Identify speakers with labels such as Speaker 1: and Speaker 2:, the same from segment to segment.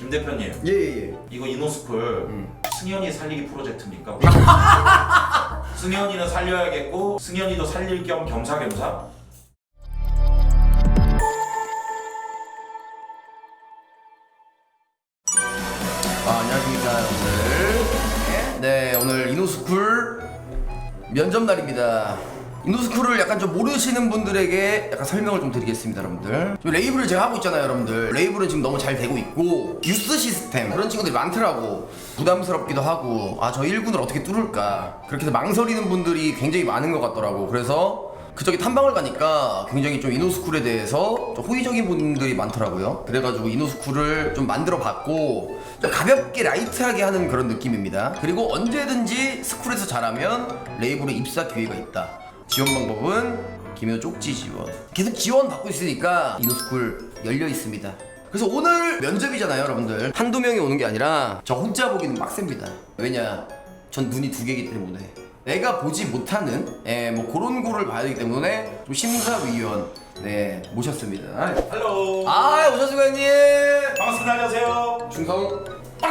Speaker 1: 김 대표님.
Speaker 2: 예예예.
Speaker 1: 이거 이노스쿨 승현이 살리기 프로젝트입니까? 승현이는 살려야겠고 승현이도 살릴 겸 겸사겸사?
Speaker 2: 안녕하십니까 여러분들. 네, 오늘 이노스쿨 면접 날입니다. 이노스쿨을 약간 좀 모르시는 분들에게 약간 설명을 좀 드리겠습니다, 여러분들. 지금 레이블을 제가 하고 있잖아요, 여러분들. 레이블은 지금 너무 잘 되고 있고 유스 시스템 그런 친구들이 많더라고. 부담스럽기도 하고 저 1군을 어떻게 뚫을까 그렇게 해서 망설이는 분들이 굉장히 많은 것 같더라고. 그래서 그쪽에 탐방을 가니까 굉장히 좀 이노스쿨에 대해서 좀 호의적인 분들이 많더라고요. 그래가지고 이노스쿨을 좀 만들어 봤고 좀 가볍게 라이트하게 하는 그런 느낌입니다. 그리고 언제든지 스쿨에서 잘하면 레이블에 입사 기회가 있다. 지원 방법은 김효 쪽지 지원. 계속 지원 받고 있으니까 이노스쿨 열려 있습니다. 그래서 오늘 면접이잖아요, 여러분들. 한두 명이 오는 게 아니라 저 혼자 보기는 빡셉니다. 왜냐? 전 눈이 두 개이기 때문에 내가 보지 못하는 뭐 그런 거를 봐야 되기 때문에 좀 심사위원 모셨습니다.
Speaker 1: 할로.
Speaker 2: 오셨습니다, 형님.
Speaker 1: 반갑습니다. 안녕하세요.
Speaker 2: 중성.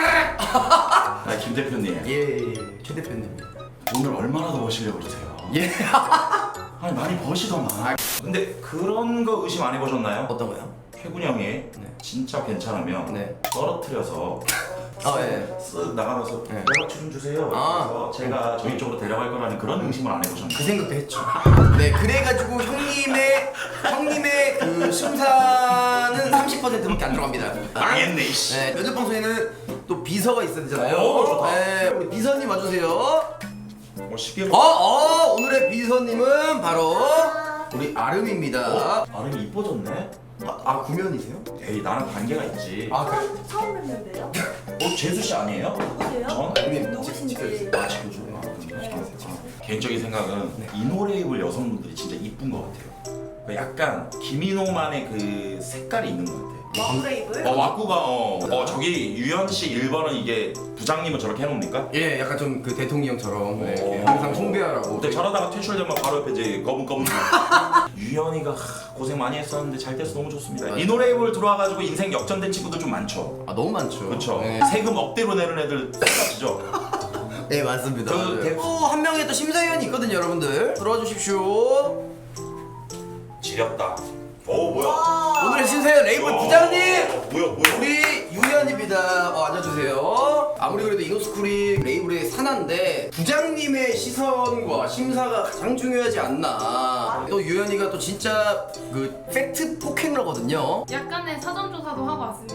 Speaker 1: 김 대표님.
Speaker 2: 예, 최 대표님.
Speaker 1: 오늘 얼마나 더 버시려고 그러세요?
Speaker 2: 예.
Speaker 1: 아니 많이 버시더만. 근데 그런 거 의심 안 해보셨나요?
Speaker 2: 어떤 거요?
Speaker 1: 혜군이 형이 진짜 괜찮으면
Speaker 2: 네.
Speaker 1: 떨어뜨려서
Speaker 2: 예.
Speaker 1: 쓱 나가면서
Speaker 2: 네.
Speaker 1: 연락처 좀 주세요. 그래서 제가 저희 쪽으로 데려갈 거라는 그런 의심을 안 해보셨나요?
Speaker 2: 그 생각도 했죠. 네, 그래가지고 형님의 그 심사는 30%밖에 안 들어갑니다.
Speaker 1: 망했네 이씨.
Speaker 2: 네, 면접 방송에는 또 비서가 있어야 되잖아요.
Speaker 1: 오, 좋다.
Speaker 2: 네, 우리 비서님 와주세요.
Speaker 1: 쉽게
Speaker 2: 오늘의 비서님은 바로 우리 아름입니다.
Speaker 1: 발음이 이뻐졌네?
Speaker 2: 구면이세요?
Speaker 1: 에이 나랑 관계가 있지.
Speaker 2: 그래?
Speaker 3: 처음 뵙는데요?
Speaker 1: 재수씨 아니에요?
Speaker 3: 누구세요?
Speaker 1: 전?
Speaker 3: 누구신지.
Speaker 2: 지켜주세요.
Speaker 1: 개인적인 생각은 이노레이블 여성분들이 진짜 이쁜 것 같아요. 약간 김인호만의 그 색깔이 있는 것 같아요.
Speaker 3: 와브레이블?
Speaker 1: 왁구가 저기 유현씨 1번은 이게 부장님은 저렇게 해놓습니까?
Speaker 2: 예, 약간 좀 그 대통령처럼 이렇게
Speaker 1: 오.
Speaker 2: 항상 숭배하라고.
Speaker 1: 근데 저러다가 퇴출되면 바로 옆에 이제 검은 유현이가 고생 많이 했었는데 잘 돼서 너무 좋습니다.
Speaker 2: 맞아요.
Speaker 1: 이노레이블 들어와가지고 인생 역전된 친구들 좀 많죠.
Speaker 2: 너무 많죠.
Speaker 1: 그렇죠.
Speaker 2: 네.
Speaker 1: 세금 억대로 내는 애들 똑같이죠.
Speaker 2: 네, 맞습니다.
Speaker 1: 그
Speaker 2: 한 명의 또 심사위원이 있거든요, 여러분들. 들어와 주십시오.
Speaker 1: 지렸다. 뭐야?
Speaker 2: 오늘의 심사위원 레이블 부장님!
Speaker 1: 뭐야?
Speaker 2: 우리 유현입니다. 앉아주세요. 아무리 그래도 이노스쿨이 레이블의 산하인데 부장님의 시선과 심사가 가장 중요하지 않나. 또 유현이가 또 진짜 그 팩트 포켓러거든요.
Speaker 4: 약간의 사전조사도 하고 왔습니다.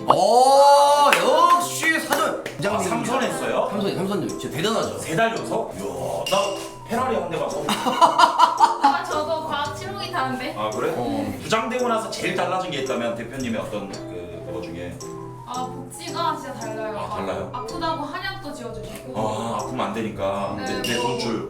Speaker 2: 역시 사전. 부장님.
Speaker 1: 삼선했어요?
Speaker 2: 삼선 진짜 대단하죠.
Speaker 1: 3달 연속? 이야, 나 페라리 한 대 가서.
Speaker 4: 저도 과학 침묵이 다른데.
Speaker 1: 아 그래? 부장되고 나서 제일 달라진 게 있다면 대표님의 어떤 그거 중에
Speaker 4: 복지가 진짜 달라요.
Speaker 1: 달라요?
Speaker 4: 아프다고 한약도 지어주시고.
Speaker 1: 아프면 안 되니까
Speaker 4: 네,
Speaker 1: 내
Speaker 4: 뭐.
Speaker 1: 돈줄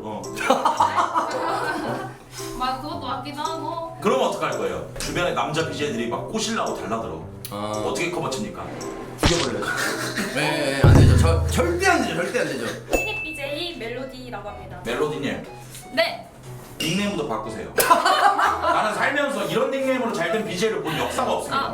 Speaker 4: 막 그것도 맞기도 하고.
Speaker 1: 그럼 어떡할 거예요? 주변에 남자 BJ들이 막 꼬실라고 달라들어. 어떻게 커버칩니까?
Speaker 2: 죽여버려야죠. 네, 안 되죠. 절대 안 되죠. 절대 안 되죠.
Speaker 3: 신입 BJ 멜로디라고 합니다.
Speaker 1: 멜로디님
Speaker 4: 네.
Speaker 1: 닉네임부터 바꾸세요. 나는 살면서 이런 닉네임으로 잘 된 BJ를 본 역사가 없습니다.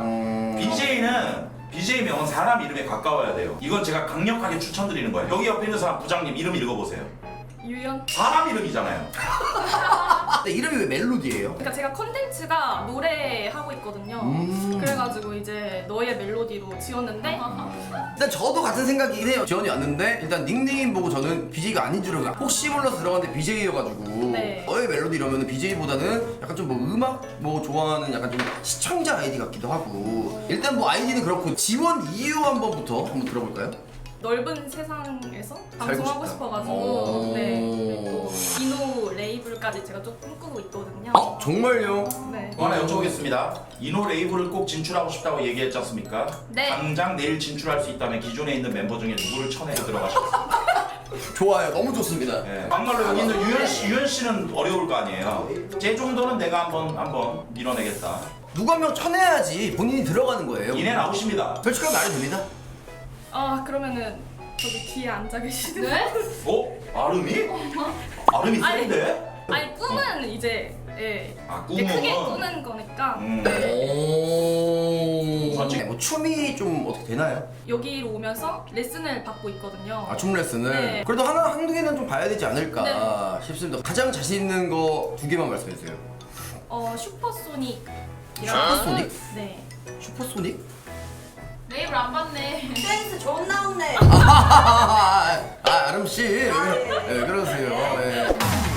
Speaker 1: BJ명은 사람 이름에 가까워야 돼요. 이건 제가 강력하게 추천드리는 거예요. 여기 옆에 있는 사람 부장님 이름 읽어보세요.
Speaker 4: 유연.
Speaker 1: 사람 이름이잖아요.
Speaker 2: 근데 이름이 왜 멜로디예요?
Speaker 3: 그러니까 제가 컨텐츠가 노래하고 있거든요. 그래가지고 이제 너의 멜로디로 지었는데
Speaker 2: 일단 저도 같은 생각이긴 해요. 지원이 왔는데 일단 닉네임 보고 저는 BJ가 아닌 줄 알고 혹시 몰라서 들어갔는데 BJ여가지고
Speaker 3: 네.
Speaker 2: 너의 멜로디 이러면 BJ보다는 약간 좀 뭐 음악 뭐 좋아하는 약간 좀 시청자 아이디 같기도 하고 일단 뭐 아이디는 그렇고 지원 이유 한번 들어볼까요?
Speaker 3: 넓은 세상에서
Speaker 2: 살고
Speaker 3: 방송하고
Speaker 2: 싶다.
Speaker 3: 싶어가지고 그리고 이노 레이블까지 제가 좀 꿈꾸고 있거든요.
Speaker 2: 정말요?
Speaker 3: 네.
Speaker 1: 또 하나 여쭤보겠습니다. 이노 레이블을 꼭 진출하고 싶다고 얘기했지 않습니까?
Speaker 4: 네.
Speaker 1: 당장 내일 진출할 수 있다면 기존에 있는 멤버 중에 누구를 쳐내서 들어가시겠습니까?
Speaker 2: 좋아요. 너무 좋습니다.
Speaker 1: 네. 막말로 여기 있는 유현 씨는 어려울 거 아니에요. 제 정도는 내가 한번 밀어내겠다.
Speaker 2: 누구 한 명 쳐내야지 본인이 들어가는 거예요.
Speaker 1: 이내 나오십니다.
Speaker 2: 솔직하게 말해줍니다.
Speaker 3: 그러면은 저기 뒤에 앉아 계시는
Speaker 4: 네?
Speaker 1: 아름이? 아름이
Speaker 3: 아니.
Speaker 1: 센데?
Speaker 3: 아니 꿈은 이제 예.
Speaker 1: 아,
Speaker 3: 이제
Speaker 1: 꿈은?
Speaker 3: 크게 꾸는 거니까
Speaker 2: 오.
Speaker 1: 솔직히.
Speaker 2: 뭐 춤이 좀 어떻게 되나요?
Speaker 3: 여기로 오면서 레슨을 받고 있거든요.
Speaker 2: 아, 춤 레슨을?
Speaker 3: 네.
Speaker 2: 그래도 한두 개는 좀 봐야 되지 않을까 싶습니다. 가장 자신 있는 거 2개만 말씀해 주세요.
Speaker 3: 슈퍼소닉.
Speaker 2: 슈퍼소닉?
Speaker 3: 네.
Speaker 2: 슈퍼소닉?
Speaker 4: 내 입을 안 봤네.
Speaker 5: 댄스 좋은 나온네.
Speaker 2: 아름씨. 네, 그러세요. 네.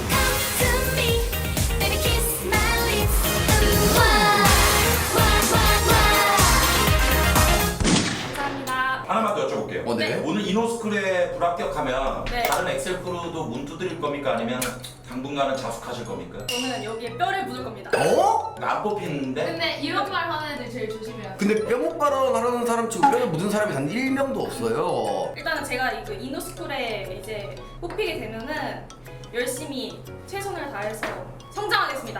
Speaker 3: 감사합니다.
Speaker 1: 하나만 더 여쭤볼게요.
Speaker 2: 네.
Speaker 1: 오늘 이노스쿨에 불합격하면
Speaker 3: 네.
Speaker 1: 다른 엑셀 크루도 문 두드릴 겁니까? 아니면 당분간은 자숙하실 겁니까?
Speaker 3: 저는 여기에 뼈를 묻을 겁니다.
Speaker 2: 어?
Speaker 1: 안 뽑히는데?
Speaker 4: 근데 이런 말 하는 애들 제일 조심해야 돼.
Speaker 2: 근데 뼈목 발언하는 사람 치고 뼈를 묻은 사람이 단 1명도 없어요.
Speaker 3: 일단은 제가 이그 이노스쿨에 이제 뽑히게 되면은 열심히 최선을 다해서 성장하겠습니다.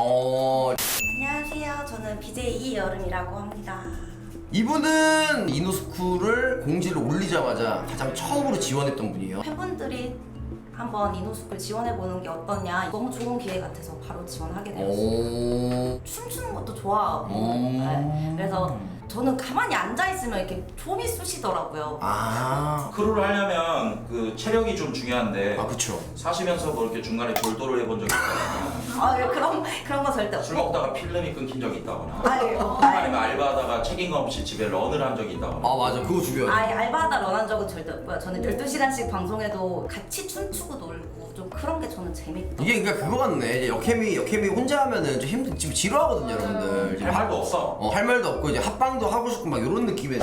Speaker 5: 안녕하세요. 저는 BJ 이여름이라고 합니다.
Speaker 2: 이분은 이노스쿨을 공지를 올리자마자 가장 처음으로 지원했던 분이에요.
Speaker 5: 팬분들이 한번 이노스쿨 지원해보는 게 어떠냐, 너무 좋은 기회 같아서 바로 지원하게 되었어요. 춤추는 것도 좋아하고 네. 그래서 저는 가만히 앉아있으면 이렇게 좀이 쑤시더라고요.
Speaker 1: 크루를 하려면 그 체력이 좀 중요한데
Speaker 2: 그쵸.
Speaker 1: 사시면서 뭐 이렇게 중간에 돌도를 해본 적이 있다거나
Speaker 5: 아, 그런 거 절대
Speaker 1: 술
Speaker 5: 없고.
Speaker 1: 먹다가 필름이 끊긴 적이 있다거나
Speaker 5: 아유,
Speaker 1: 아니면 알바하다가 책임감 없이 집에 런을 한 적이 있다거나
Speaker 2: 맞아, 그거 중요해.
Speaker 5: 알바하다 런한 적은 절대 없고요. 저는 12시간씩 방송에도 같이 춤추고 놀고 좀 그런 게 저는 재밌다.
Speaker 2: 이게 그러니까 그거 같네. 이제 역캠이 혼자 하면은 좀 지금 지루하거든요, 여러분들. 이제
Speaker 1: 할 말도 없어.
Speaker 2: 할 말도 없고 이제 합방도 하고 싶고 막 이런 느낌의.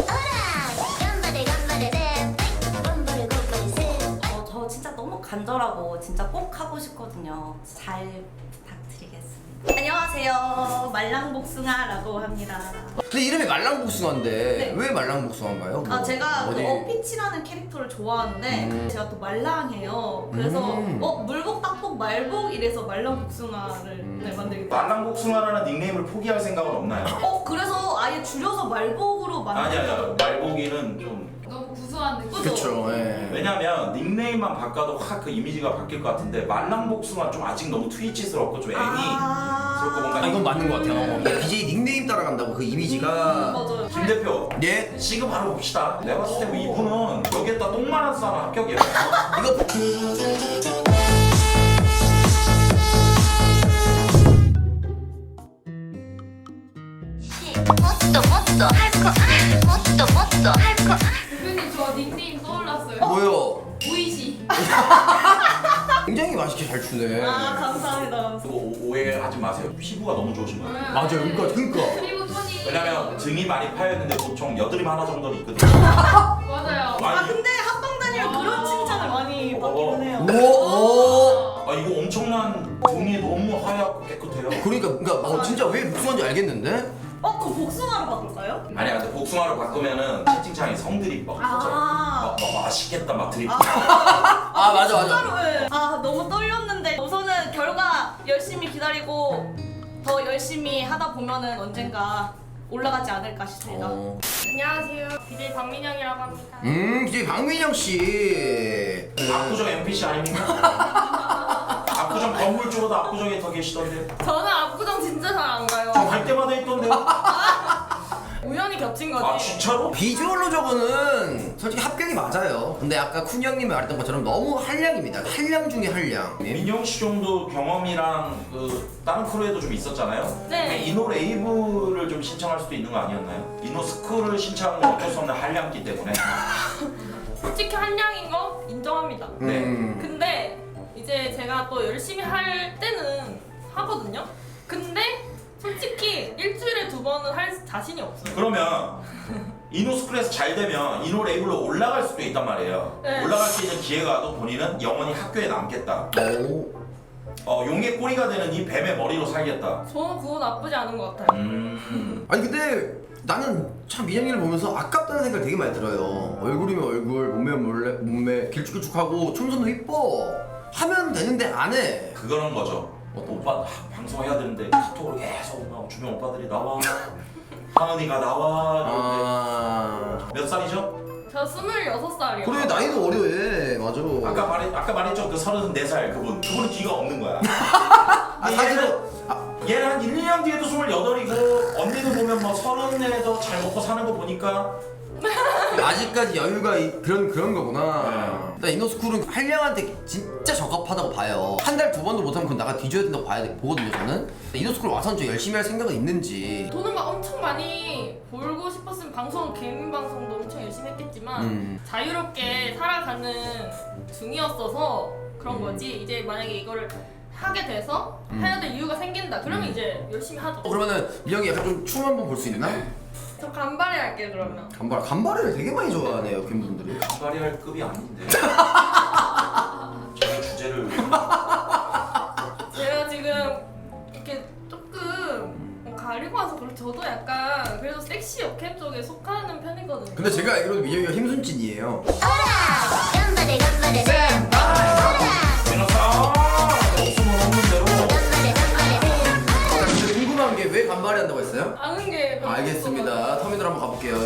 Speaker 5: 저 진짜 너무 간절하고 진짜 꼭 하고 싶거든요. 잘 부탁드리겠습니다. 안녕하세요. 말랑복숭아라고 합니다.
Speaker 2: 근데 이름이 말랑복숭아인데
Speaker 5: 네.
Speaker 2: 왜 말랑복숭아인가요?
Speaker 5: 제가 그
Speaker 2: 어디-
Speaker 5: 어피치라는 캐릭터를 좋아하는데 제가 또 말랑해요. 그래서 물복, 딱복, 말복 이래서 말랑복숭아를 네, 만들게 됐어요.
Speaker 1: 말랑복숭아라는 닉네임을 포기할 생각은 없나요?
Speaker 5: 그래서 아예 줄여서 말복으로
Speaker 1: 아니 말보기는 좀
Speaker 4: 너무 구수한 느낌.
Speaker 2: 그쵸. 예.
Speaker 1: 왜냐면 닉네임만 바꿔도 확 그 이미지가 바뀔 것 같은데 말랑복숭아 좀 아직 너무 트위치스럽고 좀 애니스럽고 뭔가
Speaker 2: 이건 맞는 것 같아요. BJ 닉네임 따라간다고 그 이미지가.
Speaker 5: 맞아요.
Speaker 1: 김 대표
Speaker 2: 예?
Speaker 1: 시급 바로 봅시다. 내가 봤을 때 뭐 이분은 여기에다 똥만 안 싸면 합격이야.
Speaker 2: 이거
Speaker 4: 대표님 저 닉네임 떠올랐어요.
Speaker 2: 뭐요?
Speaker 4: 오이시.
Speaker 2: 굉장히 맛있게 잘 추네.
Speaker 5: 감사합니다.
Speaker 1: 그거 오해하지 마세요. 피부가 너무 좋으신 거예요.
Speaker 2: 맞아요. 그러니까.
Speaker 4: 그리고 손이.
Speaker 1: 왜냐면 등이 많이 파였는데 보통 여드름 하나 정도는 있거든요.
Speaker 4: 맞아요.
Speaker 1: 아니,
Speaker 5: 근데 합방 다니면 그런 칭찬을 많이 받기는 해요.
Speaker 2: 오.
Speaker 1: 이거 엄청난 등이 너무 하얗고 깨끗해요.
Speaker 2: 그러니까 진짜 왜 복숭아인지 알겠는데?
Speaker 5: 그 복숭아로 바꿀까요?
Speaker 1: 아니야, 근데 복숭아로 바꾸면은 채팅창에 성들이 막 맛있겠다 막 드립.
Speaker 2: 맞아.
Speaker 5: 진짜로 왜? 너무 떨렸는데 우선은 결과 열심히 기다리고 더 열심히 하다 보면은 언젠가 올라가지 않을까 싶습니다.
Speaker 3: 안녕하세요. BJ 박민영이라고 합니다.
Speaker 2: BJ 박민영 씨.
Speaker 1: 압구정 NPC 아닙니까? 압구정 건물 쪽으로도 압구정에 더 계시던데.
Speaker 3: 저는 압구정 진짜 잘 안 가요.
Speaker 1: 저 갈 때마다 있던데.
Speaker 3: 우연히 겹친 거지.
Speaker 1: 아 진짜로?
Speaker 2: 비주얼로 저거는 솔직히 합격이 맞아요. 근데 아까 쿤 형님이 말했던 것처럼 너무 한량입니다. 한량 중에 한량.
Speaker 1: 민영 씨 정도 경험이랑 그 다른 크루에도 좀 있었잖아요.
Speaker 3: 네.
Speaker 1: 이노 레이브를 좀 신청할 수도 있는 거 아니었나요? 이노 스쿨을 신청하는 건 어쩔 수 없는 한량기 때문에.
Speaker 3: 솔직히 한량인 거 인정합니다.
Speaker 1: 네.
Speaker 3: 근데 이제 제가 또 열심히 할 때는 하거든요. 근데 솔직히 일주일에 2번은 할 자신이 없어요.
Speaker 1: 그러면 이노 스쿨에서 잘 되면 이노 레이블로 올라갈 수도 있단 말이에요.
Speaker 3: 네.
Speaker 1: 올라갈 수 있는 기회가 또 본인은 영원히 학교에 남겠다. 용의 꼬리가 되는 이 뱀의 머리로 살겠다.
Speaker 3: 저는 그거 나쁘지 않은 것 같아요.
Speaker 2: 아니 근데 나는 참 민영이를 보면서 아깝다는 생각 되게 많이 들어요. 얼굴이면 얼굴, 몸매면 몸매, 길쭉길쭉하고 춤선도 이뻐. 하면 되는데 안 해.
Speaker 1: 그거는 거죠. 오빠 방송해야 되는데 카톡으로 계속 막 주변 오빠들이 나와. 하은이가 나와. 몇 살이죠?
Speaker 3: 저 26살이요.
Speaker 2: 그래 나이도 어려해. 맞아.
Speaker 1: 아까 말했죠 그 34살 그분은 뒤가 없는 거야.
Speaker 2: 사실은
Speaker 1: 얘는 한 1, 2년 뒤에도 28이고 언니도 보면 뭐 30에도 잘 먹고 사는 거 보니까
Speaker 2: 아직까지 여유가 그런 거구나.
Speaker 1: 네.
Speaker 2: 일단 이노스쿨은 한량한테 진짜 적합하다고 봐요. 한 달 두 번도 못하면 그건 나가 뒤져야 된다고 보거든요 저는. 이노스쿨 와서 좀 열심히 할 생각은 있는지.
Speaker 3: 돈을 막 엄청 많이 벌고 싶었으면 방송 개인 방송도 엄청 열심히 했겠지만 자유롭게 살아가는 중이었어서 그런 거지. 이제 만약에 이거를 하게 돼서 해야 될 이유가 생긴다. 그러면 이제 열심히 하죠.
Speaker 2: 그러면은 민영이 약간 좀 춤 한번 볼 수 있나?
Speaker 3: 저 간발의 할게요 그러면.
Speaker 2: 간발을 되게 많이 좋아하네요 팬분들이.
Speaker 1: 간발이 할 급이 아닌데 저희 주제를
Speaker 3: 제가 지금 이렇게 조금 가리고 와서 그렇고 저도 약간 그래도 섹시 역캠 쪽에 속하는 편이거든요.
Speaker 2: 근데 제가 알기로는 민영이가 힘순진이에요.
Speaker 6: 간발에 간발에
Speaker 1: 변호사 없으면 없는 대로
Speaker 2: 근데 궁금한 게 왜 간발이 한다고 했어요?
Speaker 3: 아는 게 별로
Speaker 2: 알겠습니다. 터미널 한번 가볼게요.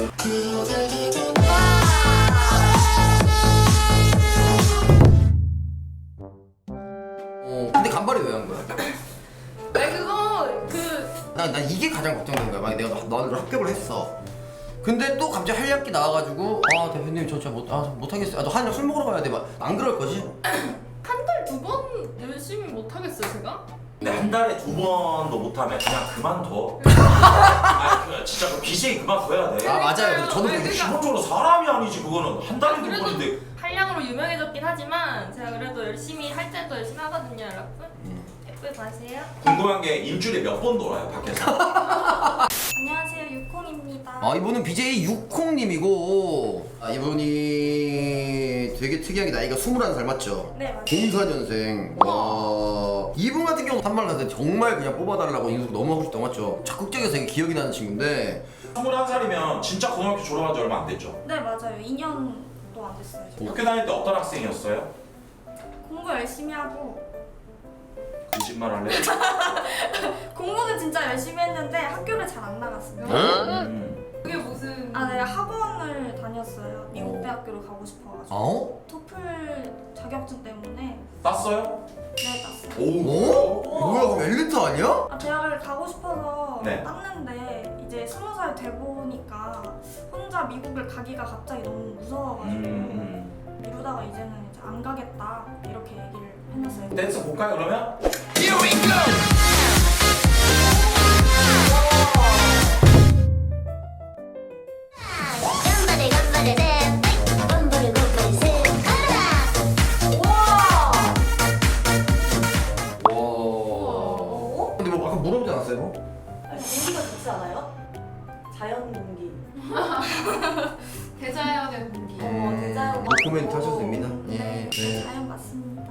Speaker 2: 근데 간발이 왜 한 거야?
Speaker 3: 아니 그거
Speaker 2: 난 이게 가장 걱정되는 거야. 만약 내가 너를 합격을 했어. 근데 또 갑자기 한량기 나와가지고 아 대표님 저 진짜 못하겠어요. 저 한량 술 먹으러 가야 돼. 막 안 그럴 거지?
Speaker 3: 한 달 두 번 열심히 못 하겠어요 제가?
Speaker 1: 근데 한 달에 2번도 못하면 그냥 그만둬. 아니 진짜 그 BJ 그만둬야 돼.
Speaker 2: 아 맞아요. 근데 저도
Speaker 3: 아니,
Speaker 2: 그렇게
Speaker 3: 그러니까-
Speaker 1: 기본적으로 사람이 아니지 그거는 한 달에 두
Speaker 3: 그래도
Speaker 1: 번인데.
Speaker 3: 한량으로 유명해졌긴 하지만 제가 그래도 열심히 할 때도 열심히 하거든요 여러분. 예쁘게 봐주세요.
Speaker 1: 궁금한 게 일주일에 몇 번 놀아요 밖에서?
Speaker 6: 안녕하세요 유콩입니다.
Speaker 2: 아 이분은 BJ 육콩님이고 이분이 되게 특이한 게 나이가 21살 맞죠?
Speaker 6: 네 맞아요.
Speaker 2: 04년생. 와 이분 같은 경우 한말 갔을 때 정말 그냥 뽑아달라고 인수 너무 하고 싶다고 맞죠? 적극적이어서 되게 기억이 나는 친구인데
Speaker 1: 21살이면 진짜 고등학교 졸업한 지 얼마 안 됐죠?
Speaker 6: 네 맞아요. 2년도 안 됐어요. 지금.
Speaker 1: 학교 다닐 때 어떤 학생이었어요?
Speaker 6: 공부 열심히 하고
Speaker 1: 거짓말 할래?
Speaker 6: 공부는 진짜 열심히 했는데 학교를 잘 안 나갔습니다.
Speaker 3: 그게 무슨
Speaker 6: 아, 네 학원을 다녔어요. 미국 대학교를 가고 싶어가지고
Speaker 2: 어?
Speaker 6: 토플 자격증 때문에
Speaker 1: 땄어요?
Speaker 6: 네 땄어요.
Speaker 2: 어? 뭐야 그럼 엘리트 아니야?
Speaker 6: 아, 대학을 가고 싶어서
Speaker 1: 네.
Speaker 6: 땄는데 이제 20살 돼 보니까 혼자 미국을 가기가 갑자기 너무 무서워가지고 미루다가 이제는 이제 안 가겠다 이렇게 얘기를 해놨어요.
Speaker 1: 댄스 볼까요 그러면?
Speaker 6: 간발에 간발에 랩 간발에 간발에 랩
Speaker 2: 와. 근데 뭐 아까 물어보지 않았어요?
Speaker 5: 공기가 좋지 않아요? 자연 공기.
Speaker 4: 대자연의 공기.
Speaker 5: 대자연
Speaker 2: 코멘트 하셔도 됩니다.
Speaker 6: 네,
Speaker 2: 네.
Speaker 6: 자연 맞습니다.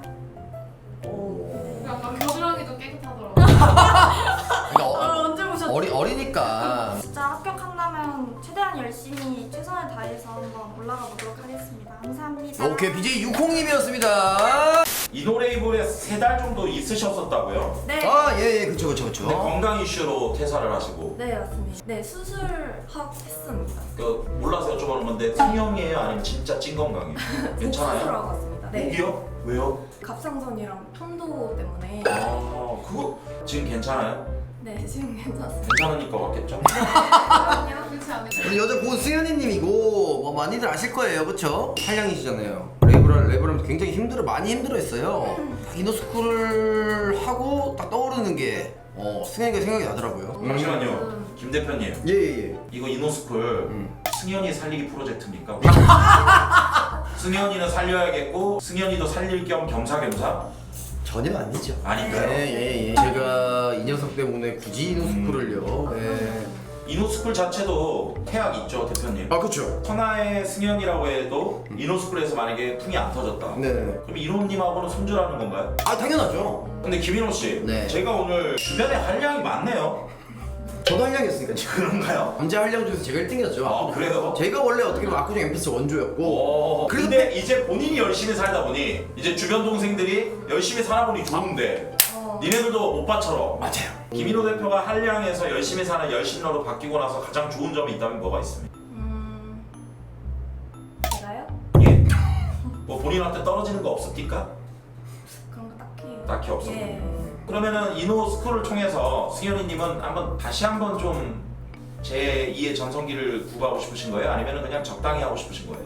Speaker 4: 약간 겨드랑이도 깨끗하더라고.
Speaker 2: 그러니까
Speaker 6: 언제 보셨죠?
Speaker 2: 어리니까.
Speaker 6: 진짜 합격한다면 최대한 열심히 최선을 다해서 한번 올라가 보도록 하겠습니다. 감사합니다.
Speaker 2: 오케이 BJ 육콩님이었습니다.
Speaker 1: 이노레이블에 3달 정도 있으셨었다고요?
Speaker 6: 네.
Speaker 2: 아예 그쵸 그쵸
Speaker 1: 근데
Speaker 2: 그쵸.
Speaker 1: 건강 이슈로 퇴사를 하시고
Speaker 6: 네 맞습니다. 네 수술하고 했습니다.
Speaker 1: 그 몰라서 여쭤보는 건데 성형이에요 아니면 진짜 찐 건강이에요? 괜찮아요?
Speaker 5: 수술하고 왔습니다. 네.
Speaker 1: 목이요? 왜요?
Speaker 5: 갑상선이랑 편도 때문에.
Speaker 1: 아 그거 지금 괜찮아요?
Speaker 5: 네 지금 괜찮습니다.
Speaker 1: 괜찮으니까 왔겠죠?
Speaker 4: 아니야 그렇지 않을까?
Speaker 2: 우리 여자 고승현이님이고 뭐 많이들 아실 거예요, 그렇죠? 한량이시잖아요. 랩을 굉장히 많이 힘들어했어요. 딱 이노스쿨을 하고 딱 떠오르는 게 승현이가 생각이 나더라고요.
Speaker 1: 잠시만요 김 대표님
Speaker 2: 예예예.
Speaker 1: 이거 이노스쿨 승현이 살리기 프로젝트입니까? 승현이는 살려야겠고 승현이도 살릴 겸 겸사겸사?
Speaker 2: 전혀 아니죠.
Speaker 1: 아닌가요?
Speaker 2: 예예예. 제가 이 녀석 때문에 굳이 이노스쿨을요. 예.
Speaker 1: 이노스쿨 자체도 태학 있죠 대표님?
Speaker 2: 아 그렇죠.
Speaker 1: 천하의 승현이라고 해도 이노스쿨에서 만약에 풍이 안 터졌다
Speaker 2: 네.
Speaker 1: 그럼 이노님하고는 손절하는 건가요?
Speaker 2: 아 당연하죠.
Speaker 1: 근데 김인호 씨,
Speaker 2: 네.
Speaker 1: 제가 오늘 주변에 한량이 많네요.
Speaker 2: 저도 한량이었으니까 지금.
Speaker 1: 그런가요?
Speaker 2: 남자 한량 중에서 제가 1등이었죠.
Speaker 1: 아 그래요?
Speaker 2: 제가 원래 어떻게 보면 압구정 엠피스 원조였고.
Speaker 1: 오, 근데 이제 본인이 열심히 살다 보니 이제 주변 동생들이 열심히 살아보니 좋은데 니네들도 오빠처럼
Speaker 2: 맞아요.
Speaker 1: 김인호 대표가 한량에서 열심히 사는 열심러로 바뀌고 나서 가장 좋은 점이 있다면 뭐가 있습니까?
Speaker 6: 제가요?
Speaker 1: 예. 뭐 본인한테 떨어지는 거 없습니까?
Speaker 6: 그런 거 딱히.
Speaker 1: 딱히 없어.
Speaker 6: 예.
Speaker 1: 그러면은 이노스쿨을 통해서 승현이님은 다시 한번 좀 제2의 전성기를 구가하고 싶으신 거예요? 아니면은 그냥 적당히 하고 싶으신 거예요?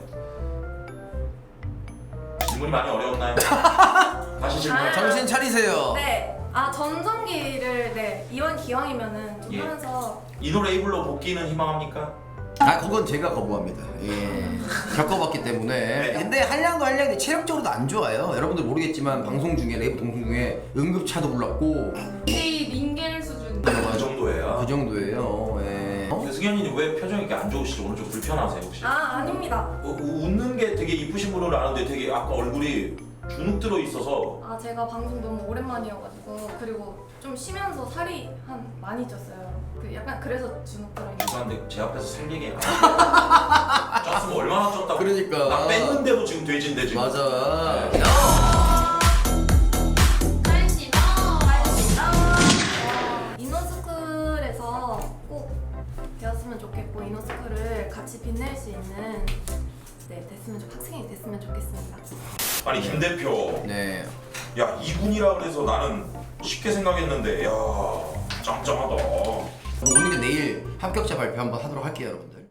Speaker 1: 질문이 많이 어려웠나요? 다시 질문.
Speaker 2: 정신 차리세요.
Speaker 6: 네. 전성기를 이왕 기왕이면은 좀
Speaker 1: 예.
Speaker 6: 하면서
Speaker 1: 이노 레이블로 복귀는 희망합니까?
Speaker 2: 아 그건 제가 거부합니다. 예. 겪어봤기 때문에. 근데 한량도 한량인데 체력적으로도 안 좋아요. 여러분들 모르겠지만 방송 중에 레이브 동송 중에 응급차도 불렀고
Speaker 3: 이 링겔 수준.
Speaker 1: 그 정도예요.
Speaker 2: 그 정도예요. 예.
Speaker 1: 승현이님 왜 표정이 이렇게 안 좋으시죠? 오늘 좀 불편하세요 혹시?
Speaker 6: 아닙니다.
Speaker 1: 웃는 게 되게 이쁘신 분으로 아는데 되게 아까 얼굴이 주눅 들어 있어서
Speaker 4: 제가 방송 너무 오랜만이어가지고 그리고 좀 쉬면서 살이 많이 쪘어요. 약간 그래서 주눅 들어 있는.
Speaker 1: 죄송한데 제 앞에서 살 얘기 안 해요. 쪘으면 얼마나 쪘다고.
Speaker 2: 그러니까.
Speaker 1: 나 뺐는데도 지금 돼지인데 지금.
Speaker 2: 맞아.
Speaker 1: 네.
Speaker 4: 이노스쿨에서 꼭 되었으면 좋겠고 이노스쿨을 같이 빛낼 수 있는 학생이 됐으면 좋겠습니다.
Speaker 1: 아니 김 대표.
Speaker 2: 네.
Speaker 1: 야 이군이라 그래서 나는 쉽게 생각했는데 야 짱짱하다.
Speaker 2: 오늘 내일 합격자 발표 한번 하도록 할게요, 여러분들.